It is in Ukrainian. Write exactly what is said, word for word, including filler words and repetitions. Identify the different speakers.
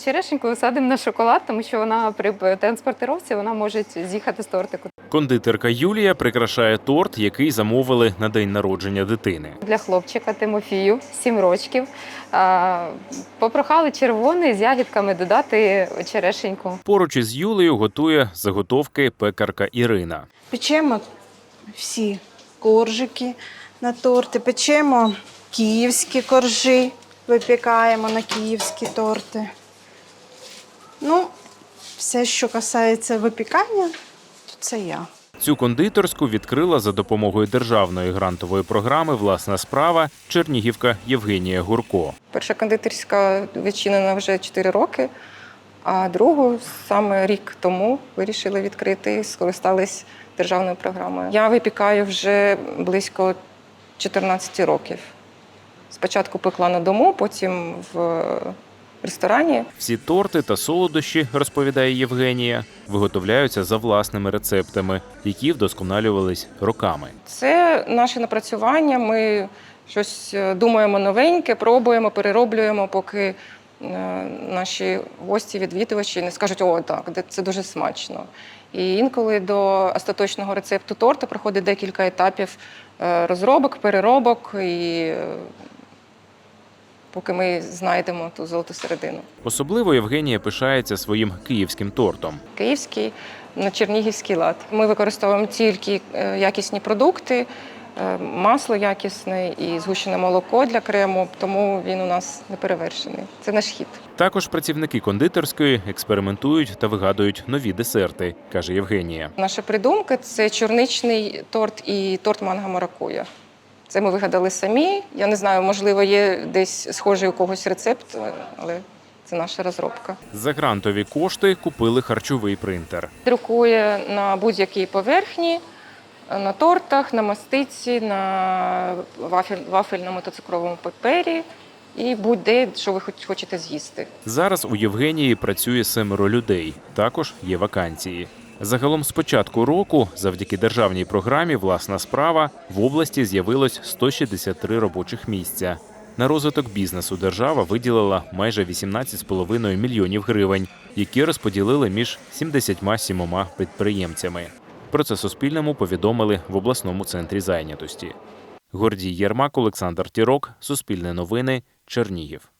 Speaker 1: черешеньку садимо на шоколад, тому що вона при транспортировці вона може з'їхати з тортику.
Speaker 2: Кондитерка Юлія прикрашає торт, який замовили на день народження дитини.
Speaker 1: Для хлопчика Тимофію, сім років, попрохали червоний з ягідками додати черешеньку.
Speaker 2: Поруч із Юлею готує заготовки пекарка Ірина.
Speaker 3: Печемо всі коржики на торти, печемо київські коржі, випікаємо на київські торти. Ну, все, що касається випікання, то це я.
Speaker 2: Цю кондитерську відкрила за допомогою державної грантової програми «Власна справа» чернігівка Євгенія Гурко.
Speaker 4: Перша кондитерська відчинена вже чотири роки, а другу саме рік тому вирішили відкрити і скористались державною програмою. Я випікаю вже близько чотирнадцять років. Спочатку пекла на дому, потім в ресторані.
Speaker 2: Всі торти та солодощі, розповідає Євгенія, виготовляються за власними рецептами, які вдосконалювались роками.
Speaker 4: Це наше напрацювання, ми щось думаємо новеньке, пробуємо, перероблюємо, поки наші гості, відвідувачі не скажуть, о, так, це дуже смачно. І інколи до остаточного рецепту торта проходить декілька етапів розробок, переробок, і поки ми знайдемо ту золоту середину.
Speaker 2: Особливо Євгенія пишається своїм київським тортом.
Speaker 4: Київський на чернігівський лад. Ми використовуємо тільки якісні продукти, масло якісне і згущене молоко для крему, тому він у нас неперевершений. Це наш хід.
Speaker 2: Також працівники кондитерської експериментують та вигадують нові десерти, каже Євгенія.
Speaker 4: Наша придумка – це чорничний торт і торт манго-маракуя. Це ми вигадали самі. Я не знаю, можливо, є десь схожий у когось рецепт, але це наша розробка.
Speaker 2: За грантові кошти купили харчовий принтер.
Speaker 4: Друкує на будь-якій поверхні, на тортах, на мастиці, на вафель, вафельному та цукровому папері і будь-де, що ви хочете з'їсти.
Speaker 2: Зараз у Євгенії працює семеро людей. Також є вакансії. Загалом з початку року, завдяки державній програмі «Власна справа», в області з'явилось сто шістдесят три робочих місця. На розвиток бізнесу держава виділила майже вісімнадцять з половиною мільйонів гривень, які розподілили між сімдесятьма сімома підприємцями. Про це Суспільному повідомили в обласному центрі зайнятості. Гордій Єрмак, Олександр Тірок, Суспільне новини, Чернігів.